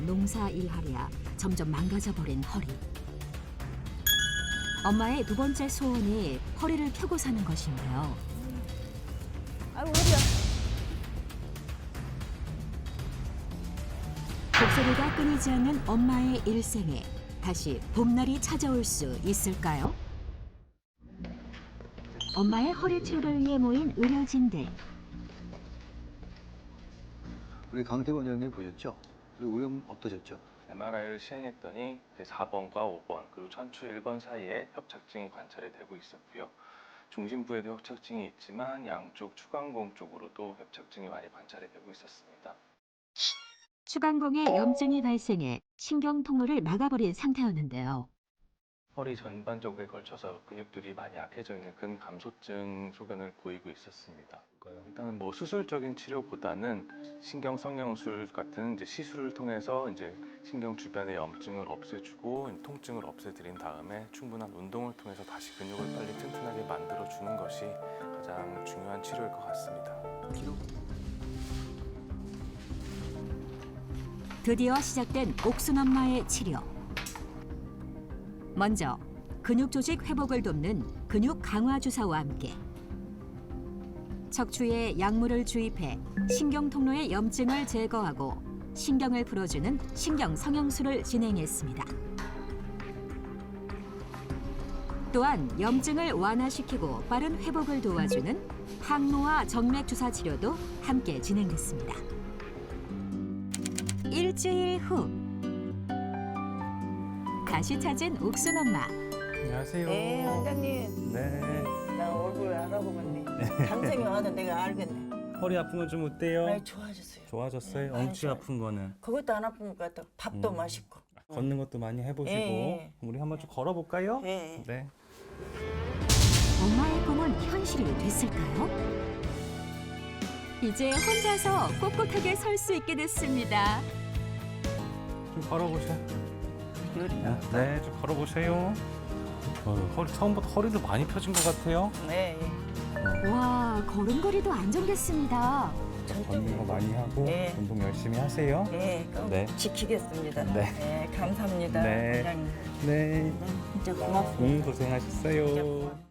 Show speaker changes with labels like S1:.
S1: 농사 일하랴 점점 망가져버린 허리. 엄마의 두 번째 소원이 허리를 펴고 사는 것인데요.
S2: 아이고 허리야.
S1: 곡소리가 끊이지 않는 엄마의 일생에 다시 봄날이 찾아올 수 있을까요? 엄마의 허리 치료를 위해 모인 의료진들.
S3: 우리 강태권 원장님 보셨죠? 그리고 의원 어떠셨죠?
S4: MRI를 시행했더니 4번과 5번 그리고 천추 1번 사이에 협착증이 관찰이 되고 있었고요. 중심부에도 협착증이 있지만 양쪽 추간공 쪽으로도 협착증이 많이 관찰이 되고 있었습니다.
S1: 추간공에 염증이 발생해 신경 통로를 막아버린 상태였는데요.
S4: 허리 전반적에 걸쳐서 근육들이 많이 약해져 있는 근감소증 소견을 보이고 있었습니다. 일단은 수술적인 치료보다는 신경 성형술 같은 시술을 통해서 신경 주변의 염증을 없애주고 통증을 없애드린 다음에 충분한 운동을 통해서 다시 근육을 빨리 튼튼하게 만들어주는 것이 가장 중요한 치료일 것 같습니다.
S1: 드디어 시작된 옥순 엄마의 치료. 먼저 근육 조직 회복을 돕는 근육 강화 주사와 함께 척추에 약물을 주입해 신경 통로의 염증을 제거하고 신경을 풀어주는 신경 성형술을 진행했습니다. 또한 염증을 완화시키고 빠른 회복을 도와주는 항노화 정맥 주사 치료도 함께 진행됐습니다. 일주일 후 다시 찾은 옥순 엄마.
S4: 안녕하세요.
S2: 네 원장님.
S4: 네.
S2: 나 얼굴 알아보겠네. 감성이 와서 내가 알겠네.
S5: 허리 아픈 건 좀 어때요?
S2: 많이 좋아졌어요.
S5: 좋아졌어요?
S2: 많이
S5: 엉치
S2: 좋아요.
S5: 아픈 거는?
S2: 그것도 안 아픈 것 같아. 밥도 맛있고.
S5: 걷는 것도 많이 해보시고
S2: 예.
S5: 우리 한번 좀 걸어볼까요?
S2: 예.
S5: 네.
S1: 엄마의 꿈은 현실이 됐을까요? 이제 혼자서 꼿꼿하게 설 수 있게 됐습니다.
S5: 좀 걸어보세요. 네, 좀 걸어보세요. 허리 처음부터 허리도 많이 펴진 것 같아요.
S2: 네.
S1: 와, 걸음걸이도 안정됐습니다.
S5: 걷는 거 많이 하고
S2: 네.
S5: 운동 열심히 하세요.
S2: 네. 꼭
S5: 네.
S2: 지키겠습니다.
S5: 네.
S2: 감사합니다.
S5: 네.
S2: 원장님.
S5: 네.
S2: 진짜 고맙습니다.
S5: 고생하셨어요.
S2: 진짜 고마워요.